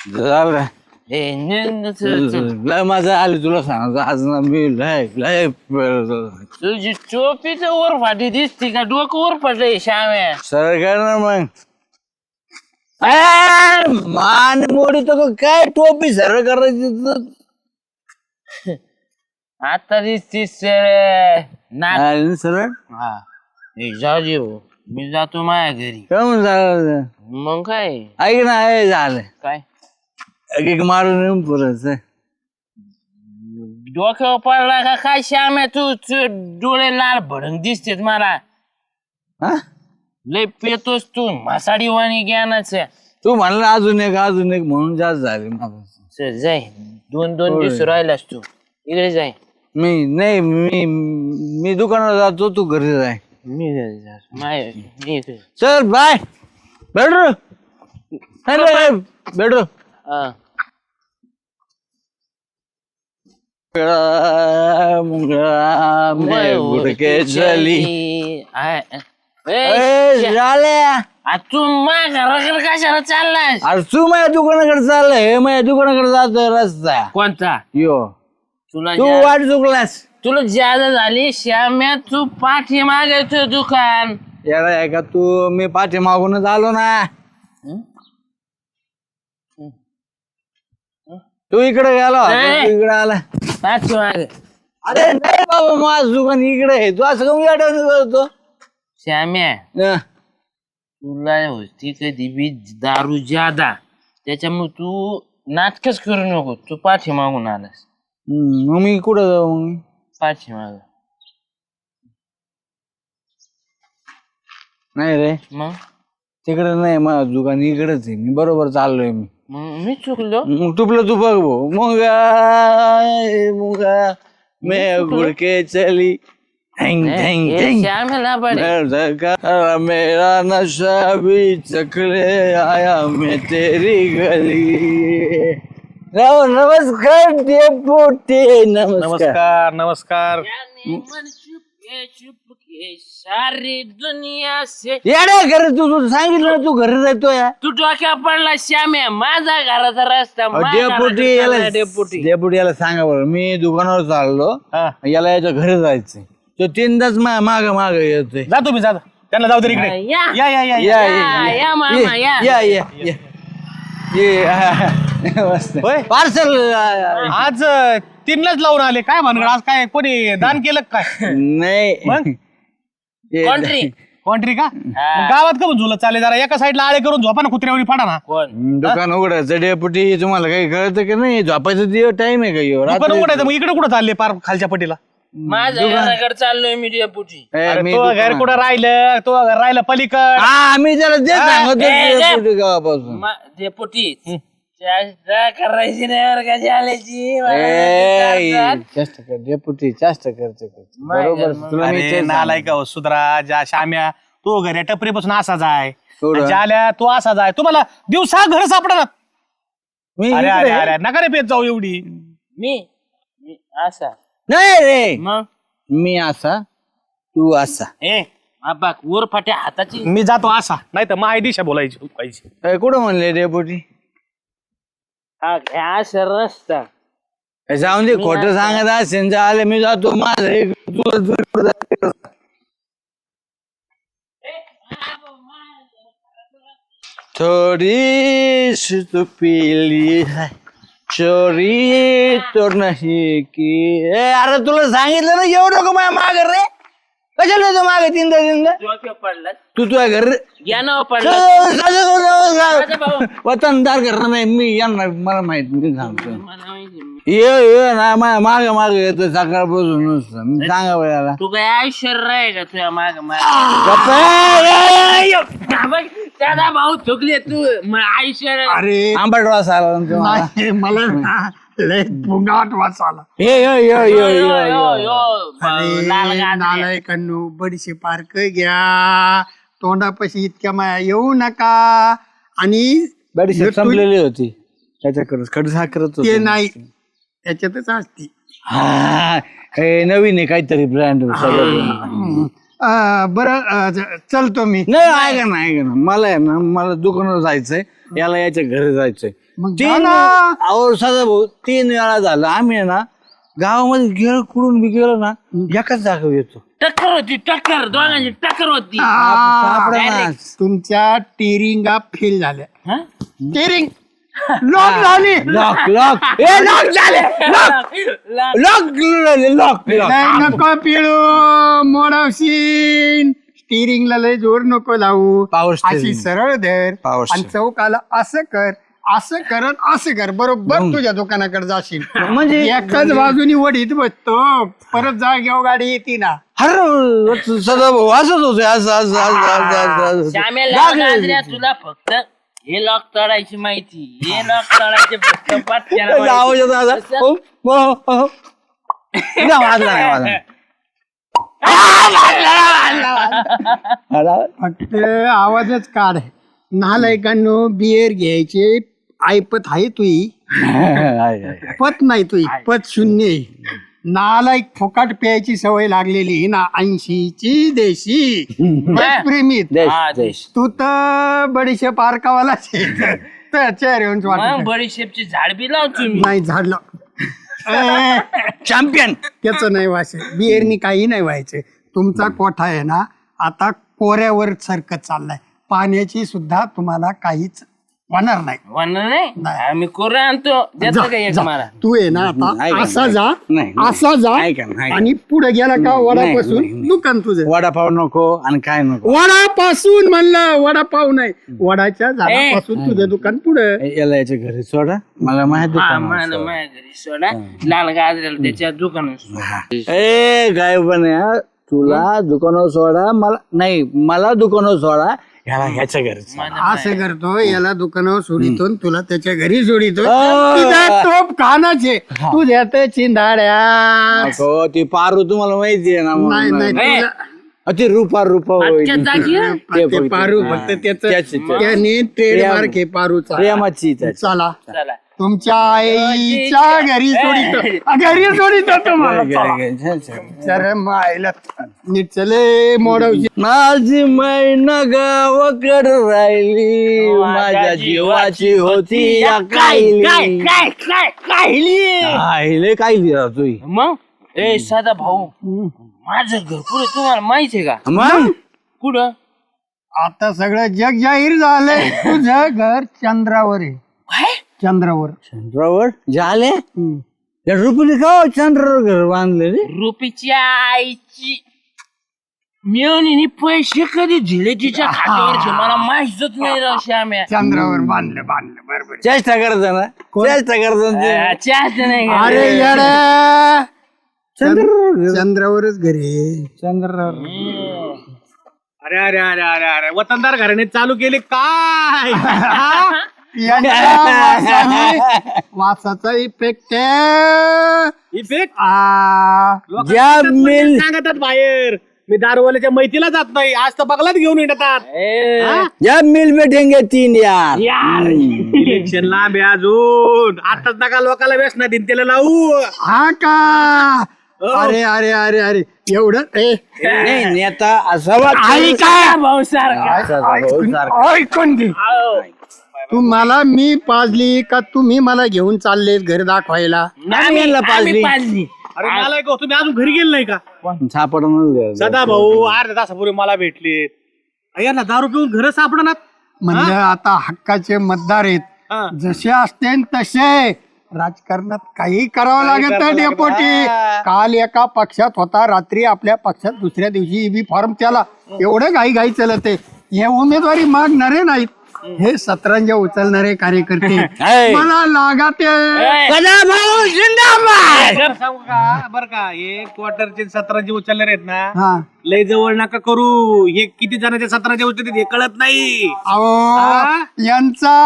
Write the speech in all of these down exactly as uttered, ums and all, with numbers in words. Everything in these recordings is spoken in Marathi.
झालं ए, न- न- चल, चल. लय मजा आली तुला सांगतो आज ना मी लय लय तुझी टोपी तर वर फाटी दिसते का डोकं वर फाटलंय श्याम्या सर कर ना मग ए, मान मोडी तर काय टोपी सर करायची तर. आता दिसतीस ना सरळ हा ए, जाऊ दे भाऊ. मी जातो माझ्या घरी काय म्हणून झालं मग काय ऐक ना हे झालं काय एक एक मारून येऊन पुरत डोक्यावर पडला का काय श्याम्या तू तू डोळे लाल भडंग दिसतेत मला हा लय पेतोस तू मासाडी वाणी ज्ञानाचं तू म्हणला अजून एक अजून एक म्हणून जास्त झाले मला चल जाय दोन दोन होय. दिवस राहिलास तू इकडे जाय मी नाही मी मी दुकानावर जातो तू घरी जाय मी घरी जा. माय मी इकडे चल बाय बेडरू बेडरू हा. मैं उड़ के चली आ- ए, ए, श्या- झाल्या आ, तू माझ्या घराकडे कशाला चाललास अरे तू माझ्या दुकानाकडे चाललंय हे माझ्या दुकानाकडे जातोय रस्ता कोणता यो तुला तू ज्या- वाट चुकलास तुला ज्यादा झाली श्याम्या तू पाठी मागायचं दुकान याला आहे का तू मी पाठी मागूनच आलो ना तू इकडे गेला होता, नाही. तू इकडे आला पाठी माग अरे नाही बाबा माझं दुकान इकडे आहे तू असं कमी आठवण करतो श्याम्या हं. तुला होती कधी बी दारू ज्यादा त्याच्यामुळे तू नाटकच करू नको तू पाठी मागून आलास हं, मग मी कुठं जाऊ मग पाठी माग नाही रे मग तिकडे नाही माझं दुकान इकडेच आहे मी बरोबर चाललोय मी मग मी चुकलो मग तुपलं तू बघ भाऊ मुगा मुगा मैं उड़ के चली धैंग धैंग हे धैंग श्याम्याला पडे मेरा मेरा नशा भी चकले आया मैं तेरी गली राव नमस्कार डेपुटी नमस्कार नमस्कार नमस्कार मन चुपके चुपके सारी दुनिया से येड्या घरी तू तू सांगितलं ना तू घरी राहतो या तू डोक्या पडला श्याम्या माझा घराचा रस्ता माझ्या डेपुटी घराचा याला चालला डेपुटी डेपुटी याला सांगा बरं मी दुकानावर चाललो हा. याला याच्या घरी जायचंय तो तीनदाच माग माग येतोय जा तुम्ही जा त्यांना जाऊ दे इकडे या. या या या या या, या मामा, या. या या या ये मस्त होय. पार्सल आज अं, तीनलाच लावून आले काय भानगड आज काय कोणी दान केलं का काय नाही मग? ते- कोंट्री कोणतरी का मग गावात का पण झुलत चाले जरा एका साईडला आळे करून झोपा ना कुत्र्यावरी फाडा ना कोण दुकान उघडायचं डेपुटी तुम्हाला काही कळतं की नाही झोपायचं दिवस टाइम आहे का ह्यो? दुकान रात्री- उघडायचं मग इकडे कुठं चालले पार खालच्या पटीला माझ्या घराकडे चाललोय मी डेपुटी ए, अरे मी तो घर दुकान- कुठं राहिलं तो घर राहिलं पलीकड हा मी त्याला ते हा, सांगतो ए, ए. डेपुटी गावापासून मा- डेपुटी चेष्टा करायची नाही बरं का झाल्याची ए, चेष्टा कर डेपुटी चेष्टा करते करते. माय बरोबर घर, तुला मी अरे तेच नालाय का सुधरा ज्या श्याम्या तो घर टपरी पासून असा जाय थोडं. ज्याल्या तो असा जाय तुम्हाला दिवसा घर सापडणार मी अरे इकडे अरे आहे. अरे नका रे पेत जाऊ एवढी मी मी असा नाही रे मग मी असा तू असा ए आबा वर फाट्या हाताची मी जातो असा नाही तर माय दिशा बोलायची पाहिजे ए, कुठं म्हणले डेपुटी हा घ्या असा रस्ता ए, जाऊन दे खोटं सांगत असेल तर आले मी जातो माझं एक तुला दुसरं जातं. थोड़ी सी तो पीली है चोरी तो नहीं की ए अरे तुला सांगितलं ना एवढं नको माझ्या माग रे कशाला येतो मागे तीनदा तीनदा डोक्या पडला तू तुझ्या घर या नाव पडला भाऊ. वतनदार करणार नाही मी यांना मला माहित मी सांगतो मला माहिती आहे. ये ये ना माझ्या मागे मागे येतो सकाळपासून नुसतं मी सांगा बरं याला तू काय ऐश्वर्य आहे का तुझ्या माग गप्प आहे. दादा भाऊ चुकले तू म- ऐश्वर्य अरे आंबट वास आला ना तुम्हाला. मला ना लय पुंगाट वास आला ये यो यो यो यो, यो यो, यो यो, लाल गाजरे. नालायकांनो बडीशे पार्क घ्या तोंडापाशी इतक्या माया येऊ नका आणि बडीशेप संपलेली होती त्याच्याकडे खड साखरच ते नाही त्याच्यातच असते हा हे नवीन आहे काहीतरी ब्रँड अं, बरं अं, ज- चलतो मी नाही ऐका ना ऐका ना मला आहे ना मला दुकानावर जायचंय याला याच्या घरी जायचंय मग जा तीन ना. अहो सदा भाऊ तीन वेळा झालं आम्ही आहे ना गावामध्ये गेलो कुठून बी गेलो ना एकाच जागा येतो टक्कर होती टक्कर दोघांची टक्कर होती सापडेना. तुमच्या टेरिंगा फेल झाल्या हा? टेरिंग लॉक झाली लॉक लॉक ए लॉक झाले लॉक लॉक लॉक लॉक नाही नको पिळू मोडावशीन स्टिअरिंगला लय जोर नको लावू Power steering. अशी सरळ धर Power आणि steering. चौकाला असं कर असं करत असं कर बरोबर तुझ्या दुकानाकडे जाशील म्हणजे एकाच बाजूनी वडीत बसतो परत जागेवर गाडी येते ना हर सदा भाऊ असंच होतं असं असं असं असं असं श्यामेला असं गाजऱ्या तुला फक्त हे लॉक तोडायची माहिती हे लॉक तोडायचे फक्त पटक्याला आवाज माहिती. येतो आता. तसं- हो, हो, हो. नाही, वाजला नाही, वाजला नाही. आला? फक्त आवाजच काढ नालायकांनो बियर घ्यायचे ऐपत आहे तुई आहे, आहे. पत नाही तुई पत शून्य आहे. नालायक फुकट प्यायची सवय लागलेली ना ऐंशीची देशी बस प्रेमीत देश हा, देश तू तर बडीशे पारकावाला चेहऱ्यावरून मग वाटत बडीशेपची झाड बी लाव तुम्ही नाही झाडलं चॅम्पियन त्याच नाही व्हायचं बियरनी काही नाही व्हायचं तुमचा कोठा आहे ना आता कोऱ्यावर सरकत चाललाय पाण्याची सुद्धा तुम्हाला काहीच होणार नाही म्हणणार नाही आम्ही कोरा आणतो देतो जा, का एक जा. मला तू आहे ना आता ऐका ना, असा जा नाही, नाही. असा जा ऐका ना, ऐका. आणि पुढे गेला का नाही, वडापासून नाही. दुकान तुझं वडापाव नको आणि काय नको वडापासून म्हणलं वडापाव नाही वडाच्या झाडापासून तुझं दुकान पुढं ए, याला याच्या घरी सोडा मला माहिती हा मला माझ्या घरी सोडा लाल गाजऱ्याला त्याच्या दुकानात ए काय पण आहे, तुला दुकानावर सोडा मला नाही मला दुकानावर सोडा ह्याला ह्याच्या घरी सोडा. असं करतो याला दुकानावर सोडितो आणि तुला त्याच्या घरी सोडितो अं. तिथं टोप खानाचे तुझ्या तर चिंधाड्या नको ती पारू तुम्हाला माहिती आहे ना नाही नाही म्हणून. ए. तुला- अ, ती रुपा रुपा पटक्यात जागी हं? ते ते फक्त- पारू हा. फक्त त्याच त्याची- त्याची. त्याने ट्रेडमार्क आहे पारूचा प्रेमाची त्याची. चला चला तुमच्या आईच्या घरी सोडितो घरी सोडितो तुम्हाला चला. चल मायला नीट चले मोडवशी माझी मैन गावाकड राहिली माझ्या जीवाची होती या कायली काय काय काहिली कायले कायली राहतोय मग ए साधा भाऊ माझं घर पुढे तुम्हाला माहिती आहे का मग कुठं आता सगळं जग जाहीर झालंय तुझं घर चंद्रावर आहे काय चंद्रावर चंद्रावर झाले हम्म. या रुपये का हो चंद्रावर घर बांधले रे रुपीच्या आईची मिळवणी पैसे कधी दिले तिच्या खात्यावरचे मला माहितच नाही राव श्याम्या चंद्रावर बांधलं बांधलं बरोबर चेष्टा करता ना चेष्टा करता चहाच नाही का? अरे येड्या चंद्रावर चंद्रावरच घरी चंद्रावर अरे अरे अरे अरे अरे वतनदार घराणे चालू केले काय यांच्या वासाने- वासाचा इफेक्ट इफेक्ट ज्या मिल सांगतात बाहेर मी दारूवाल्याच्या मैतीला जात नाही आज तर बगलात घेऊन येतात ज्या मिल बैठेंगे तीन यार इलेक्शन लांब आहे अजून आताच नका लोकांना व्यसना दिन त्याला लावू हा का अरे अरे अरे अरे एवढं ए नाही नेता असावा ऐका भाऊ सारखा ऐकून घे तू मला मी पाजली का तुम्ही मला घेऊन चालले घर दाखवायला आम्ही यांना पाजली. पाजली अरे मला एक तुम्ही अजून घरी गेले नाही का सापडून सदा भाऊ अर्ध्या तासापूर्वी मला भेटले यांना दारू पिऊन घर सापडणार म्हणजे आता हक्काचे मतदार आहेत जसे असते तसे राजकारणात काही करावं लागत नाही डेपोटी काल एका पक्षात होता रात्री आपल्या पक्षात दुसऱ्या दिवशी ईबी फॉर्म त्याला एवढं घाई घाई चालते हे उमेदवारी मागणारे नाहीत हे सतरंजा उचलणारे कार्यकर्ते मला लागते सांगू का बर का हे क्वार्टरचे सतराचे उचलले आहेत ना हा लय जवळ नका करू हे किती जणांचे सतराचे उचलते हे कळत नाही अहो यांचा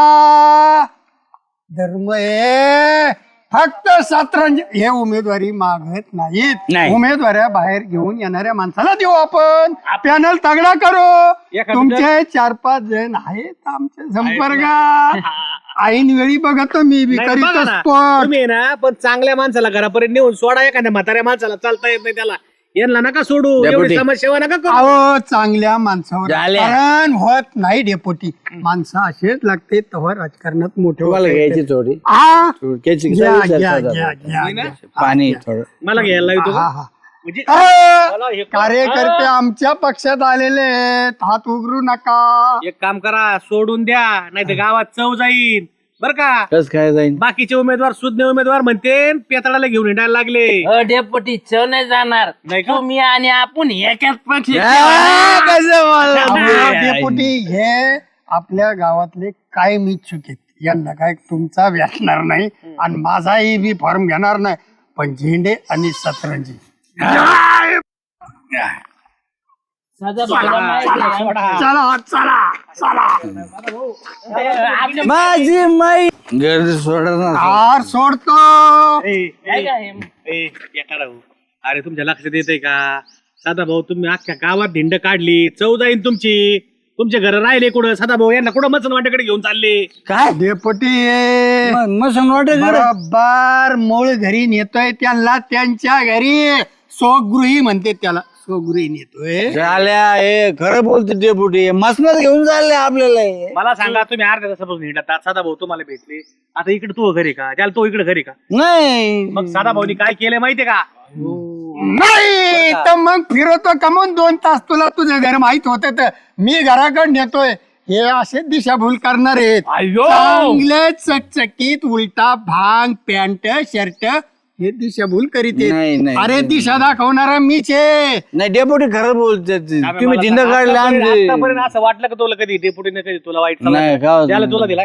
धर्म आहे फक्त सतरंज हे उमेदवारी मागत नाहीत नाही. उमेदवाऱ्या बाहेर घेऊन येणाऱ्या माणसाला देऊ आपण पॅनल तगडा करू एखादं- तुमचे चार पाच जण आहेत आमच्या संपर्कात ऐन वेळी बघतो मी बी नाही, करीत बघा ना, असतो तुम्ही आहे ना पण चांगल्या माणसाला घरापर्यंत नेऊन सोडा एखाद्या म्हाताऱ्या माणसाला चालता येत नाही त्याला यांना नका सोडू, डेपुटी. एवढी समाजसेवा नका करू. अहो चांगल्या माणसावर झाल्या. राजकारण होत नाही डेपोटी. माणसं असेच लागते तेव्हा राजकारणात मोठे तुम्हाला होते. घ्यायची थोडी हा थोडक्याची घ्या, विचार घ्या, करा. घ्या, घ्या, मी ना? घ्या. पाणी थोडं मला घ्यायला येतो हा, का? हा. म्हणजे अ, मला हे- कार्यकर्ते आमच्या पक्षात आलेले आहेत, हात उघडू नका. एक काम करा, सोडून द्या, नाही तर गावात चव जाईल बर का. कस काय जाईल बाकीचे उमेदवार सुज्ञ उमेदवार म्हणते पेताळाला घेऊन हिंडायला लागले. अ, डेपुटी चव नाही जाणार. नाही का? तुम्ही आणि आपण एकाच पक्षी आ, कसं बोलला अहो, तुम्ही? डेपुटी हे आपल्या गावातले कायम इच्छुक आहेत. यांना काय तुमचा व्यासणार नाही आणि माझाही बी फॉर्म घेणार नाही, पण झेंडे आणि सतरंजी साधा भाऊला माहिती आहे. चला चला चला माझी माई गर्दी सोडणार कार सोडतो. ए, ए, काय काय हे? ए, एका राहू. अरे तुमच्या लक्षात येतंय का साधा भाऊ, तुम्ही अख्ख्या गावात धिंड काढली, चव जाईन तुमची. तुमचे घर राहिले कुठं? साधा भाऊ यांना कुठं मचन वाट्याकडे घेऊन चालले? काय डेपुटी मसन वाटत बरोबर मूळ घरी नेतोय त्यांना, त्यांच्या घरी स्वगृही म्हणते त्याला, स्वगृही नेतोय. झाल्या हे खरं बोलते डेपुटी मसनच घेऊन चालले आपल्याला हे. मला सांगा, तुम्ही अर्ध्या तासापासून हिंडतात, साधा भाऊ तुम्हाला भेटले, आता इकडे तो घरी का, त्याला तो इकडे घरी का? नाही मग साधा भाऊनी काय केलंय माहितीये का? नाही तर मग फिरवतो कमवून दोन तास, तुला तुझं घर माहित होत तर मी घराकडे नेतोय. हे असे दिशाभूल करणार आहेत. चांगले चकचकीत उलटा भांग पॅन्ट शर्ट हे दिशाभूल करीत नाही, आहेत. नाही, अरे नाही. दिशा दाखवणारा मीच आहे. नाही डेपुटी खरं बोलते तुम्ही मला जिंद सांगा, काढले आतापर्यंत- आमचे आतापर्यंत असं वाटलं का तुला कधी डेपुटीने कधी तुला वाईट नाही, सांगितलं? का- त्याला तुला दिलाय?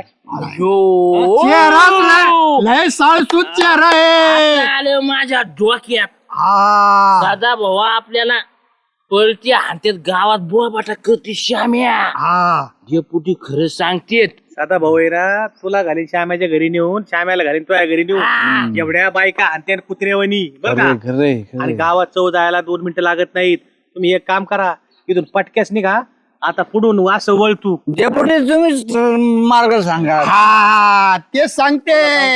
चेहरा लय- लय साळसूत चेहरा आहे. आता आलं माझ्या डोक्यात. हा साधा भाऊ आपल्याला पळती हाणतेत, गावात बोळबाटा करते श्याम्या. हा डेपुटी खरं सांगतेत. साधा भाऊ आहे ना, तुला घालीन श्यामाच्या घरी नेऊन, श्यामाला घालीन तुझ्या घरी नेऊन, एवढ्या बायका आणते कुत्रेवणी बरं का. खरे खरे आणि खरे गावात चव जायला दोन मिनिटं लागत नाहीत. तुम्ही एक काम करा, इथून पटक्यास निघा, आता पुढून वास वळतू. डेपुटी तुम्ही मार्ग सांगा हा ते सांगते.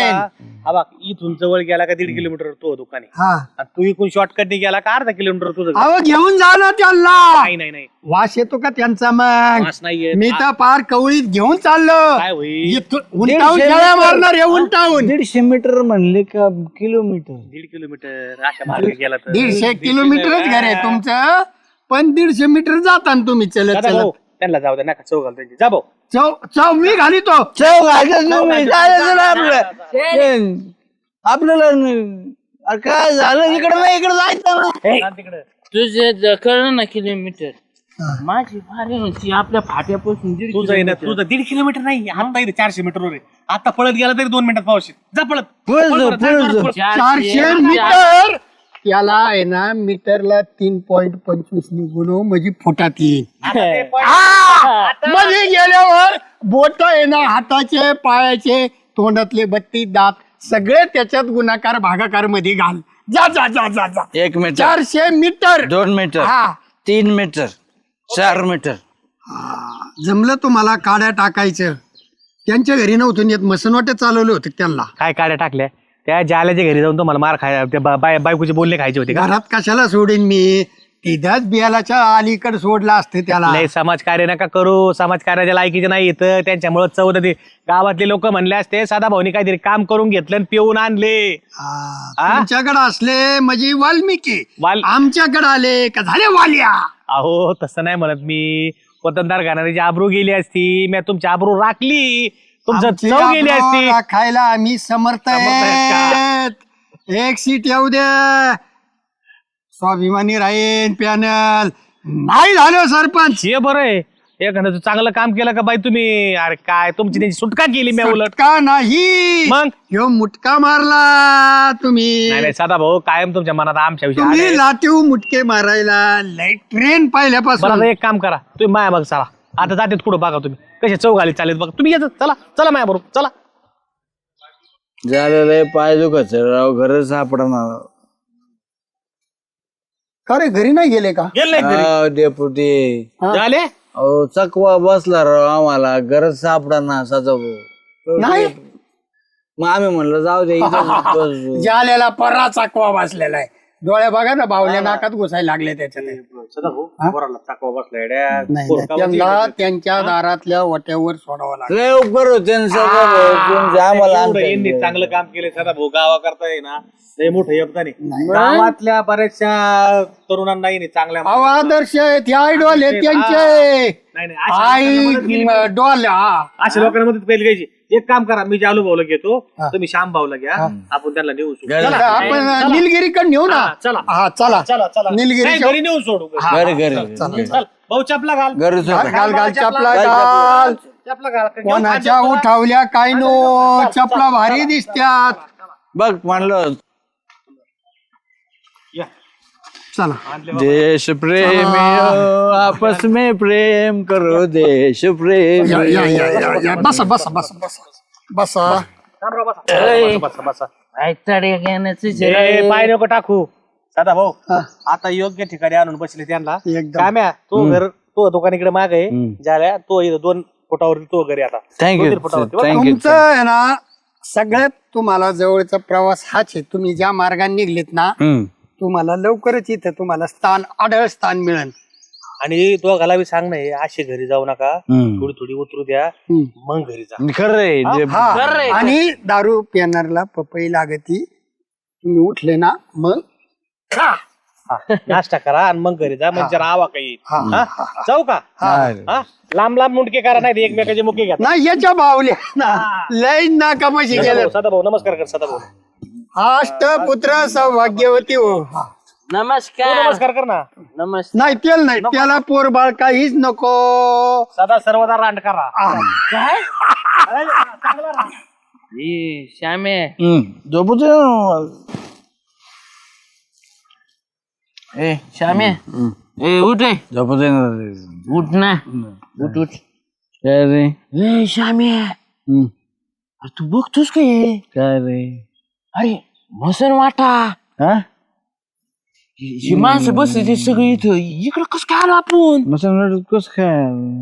हा बघ, इथून जवळ गेला का दीड किलोमीटर तो दुकान आहे, हा आणि तू इकडून शॉर्टकटने गेला का अर्धा किलोमीटर तुझं घर. अहो घेऊन जा ना त्यांना. नाही नाही नाही, वास येतो का त्यांचा मग? वास नाहीये. मी तर पार कवळीत घेऊन चाललो. काय होईल? इथून उंटावून शेळ्या मारणार आहे, उंटावून. दीडशे मीटर म्हणले का किलोमीटर दीड किलोमीटर अशा मार्गे गेला तर दीडशे किलोमीटरच घर आहे तुमचं, पण दीडशे मीटर जाता ना तुम्ही चलत दादा भाऊ, चलत. त्यांना जाऊ द्या, नका चव घाल त्यांची. जा भाऊ. चौ चौ मी घालितो. चव घालतात तुम्ही चालेल ना आपलं आपल्याला न- अरे काय झालं इकडे नाही इकडे जायचं ना जा तिकडं. तुझे कळलं ना किलोमीटर. माझी भारी होती आपल्या फाट्यापासून दीड तुझं आहे ना, किलोमीटर. तुझं दीड किलोमीटर नाही, आता इथे चारशे मीटर वर आहे. आता पळत गेला तरी दोन मिनिटात पावशी. जा पळत. पुढे पळ जाऊ, पळत, जा, पुढे पळ, जाऊ. पळ. चारशे मीटर त्याला आहे ना मीटरला तीन पॉईंट पंचवीस गुणव म्हणजे फुटात येईल. आता ते point- आ! मध्ये गेल्यावर बोट आहे ना, हाताचे पायाचे तोंडातले बत्ती दात सगळे त्याच्यात गुणाकार भागाकार मध्ये घाल. जा जा जा जा जा. एक मीटर चारशे मीटर दोन मीटर हा तीन मीटर चार मीटर जमलं तुम्हाला काड्या टाकायचं. त्यांच्या घरी नव्हतं येत, मसनवाटे चालवले होते त्यांना. काय काड्या टाकल्या? त्या जाल्याच्या घरी जाऊन तुम्हाला मार खाय त्या बा- बाय- बायकोचे बोलणे खायचे होते का? घरात कशाला सोडीन मी, तिथंच बियालाच्या अलीकडे सोडला असते त्याला. लय समाज कार्य नका करू, समाज कार्याच्या लायकीचे नाही येत, त्यांच्यामुळे चौद गावातले लोक म्हणले असते साधा भाऊनी काहीतरी काम करून घेतलं आणि पिऊन आणले. हा, तुमच्याकडे असले म्हणजे वाल्मिकी, वाल- आमच्याकडे आले का झाले वालिया. अहो तसं नाही म्हणत मी, वतनदार घालणारी आबरू गेली असती, मी तुमची आबरू राखली, तुमचं आमची चव गेली आबरू असती. राखायला आम्ही समर्थ आहेत आहेत. एक सीट येऊ द्या, स्वाभिमानी राहीन पॅनल. नाही झालं सरपंच. हे बरं आहे, एखादं चांगलं काम केलं का बाई तुम्ही? अरे काय तुमची त्यांची सुटका केली मी उलट. का नाही मग? ह्यो मुटका मारला तुम्ही. नाही नाही साधा भाऊ, कायम तुमच्या मनात आमच्या विषयी तुम्ही आले. लाटीव मुटके मारायला लय ट्रेन बरं पाहिल्यापासून. आता एक काम करा, तुम्ही माया बघ चला, आता जातेत पुढे बघा तुम्ही कसे चौघाली चालेल बघा तुम्ही. येत चला चला माया बरोबर चला. झालेलं आहे पाय दुखत राव घर सापडणार का रे घरी नाही गेले का? गेले डेपुटी झाले. अहो चकवा बसला राव आम्हाला गरज सापडा साचा भाऊ. नाही मग आम्ही म्हणलं जाऊ दे इथंच बसू. जाल्याला परा चाकवा बसलेला आहे. डोळ्या बघा ना बावल्या नाकात घुसायला लागले त्याच्यात सदा भाऊ पोराला टाकवा बसला येड्या. नाही पोर नाही, गावाची त्यांना येड्या. त्यांच्या दारातल्या वट्यावर सोडावं लागलं. लय उपकार होते ना सदाभाऊ, तुमचे आम्हाला एवढं आणता यांनी येईल. चांगलं काम केलं सदा भाऊ गावा करताय ना लय मोठं योगदान आहे गावातल्या बऱ्याचशा तरुणांना यांनी चांगल्या अहो आदर्श आहेत हे आयडॉल आहेत त्यांचे नाही नाही अशा लोकांना मदत केली आई डॉल हा अशा लोकांना मदत केली पाहिजे. एक काम करा, मी जालू भाऊला घेतो, तुम्ही श्याम भाऊला घ्या, आपण त्यांना नेऊ सोडू. घरी- चला, आपण निलगिरीकडे नेऊ ना हा, चला. हा चला चला चला नाही, निलगिरीच्या घरी नेऊन सोडू. घरी घरी चल भाऊ चपला घाल घरी घाल घाल घाल चपला घाल, घाल चपला घाल घेऊन कोणाच्या खाली चला. उठावल्या काय नो चपला भारी दिसत्यात. बघ म्हणलं या. चला देश प्रेमी हो, आपस में प्रेम करो देश प्रेमी. या या या या या बसा बसा बसा बसा बसा थांबरा, बसा. बसा, बसा, बसा. ऐकताडे घेण्याचं ए, पाय नको टाकू सदा भाऊ. हा. आता योग्य ठिकाणी आणून बसले त्यांना. एकदम. काम्या तो घर तो दुकानीकडे माग आहे हम्म. झाल्या तो इथं दोन फुटावरती तो घरी आता Thank you, दोन तीन फुटावरती. sir. बरं? Thank you. तुमचं आहे ना सगळ्यात तुम्हाला जवळचा प्रवास हाच आहे. तुम्ही ज्या मार्गाने निघलेत ना हम्म. तुम्हाला लवकरच इथं तुम्हाला स्थान आढळ स्थान मिळेल. आणि तो घाला बी सांग नाही असे घरी जाऊ नका, हम्म. थोडी थोडी उतरू द्या, हम्म. मग घरी जा. खरं आहे जे- हा आणि दारू पिणारला पपई लागती. तुम्ही उठले ना मग खा. हा, नाश्ता करा आणि मग घरी जा, म्हणजे राहावा काही. हा, हा? जाऊ का हा. हा? लांब लांब मुंडके करा, नाही एकमेकाचे मुके घ्या. नाही याच्या बावल्या ना लय ना कमाशी गेलं. सदा भाऊ नमस्कार कर सदा भाऊ. अष्टपुत्र सौभाग्यवती हो. तू नमस्कार नमस्कार कर ना. नमस्कार नाही तेल नाही त्याला पोर बाळ काहीच नको. सदा सर्वदा रांड करा. आ. काय अरे, चांगला रांड. हे श्यामे हम्म. झोपू दे ना. ए श्यामे ए उठ रे झोपू दे ना. उठ ना उठ उठ काय रे ए श्यामे हम्म. अरे तू बघतोस का हे? काय रे अरे मसन वाटा हा ही माणसं बसली ते सगळी इथं इकडं कस काय आलो आपण मग कस काय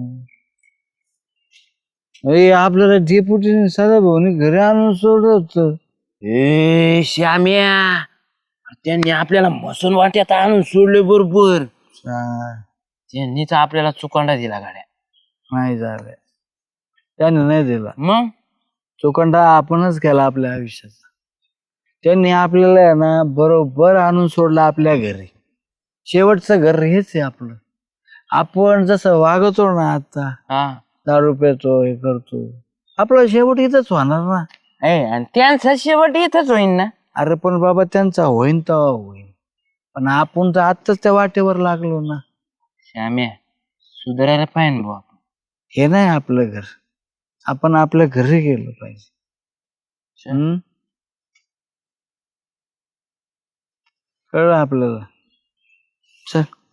अरे आपल्याला डेपुटीने सदा भाऊने घरी आणून सोडलं होतं. ए श्याम्या त्यांनी आपल्याला मसन वाट्यात आणून सोडले बरोबर. चा- त्यांनीच आपल्याला चुकांडा दिला गाड्या. नाही झालं त्याने नाही दिला. मग चोखंडा आपणच केला आपल्या आयुष्यात. त्यांनी आपल्याला आहे ना बरोबर आणून सोडलं आपल्या घरी. शेवटचं घर हेच आहे आपलं. आपण जसं वागतो ना आता हा दारू पितो हे करतो आपलं शेवट इथंच होणार ना. ए आणि त्यांचा शेवट इथंच होईन ना. अरे पण बाबा त्यांचा होईन तेव्हा होईन, पण आपण तर आत्ताच त्या वाटेवर लागलो ना. श्याम्या सुधारायला पाहिजे भाऊ. हे नाही आपलं घर. आपण आपल्या घरी गेलो पाहिजे. हम्म कळलं आपल्याला. चल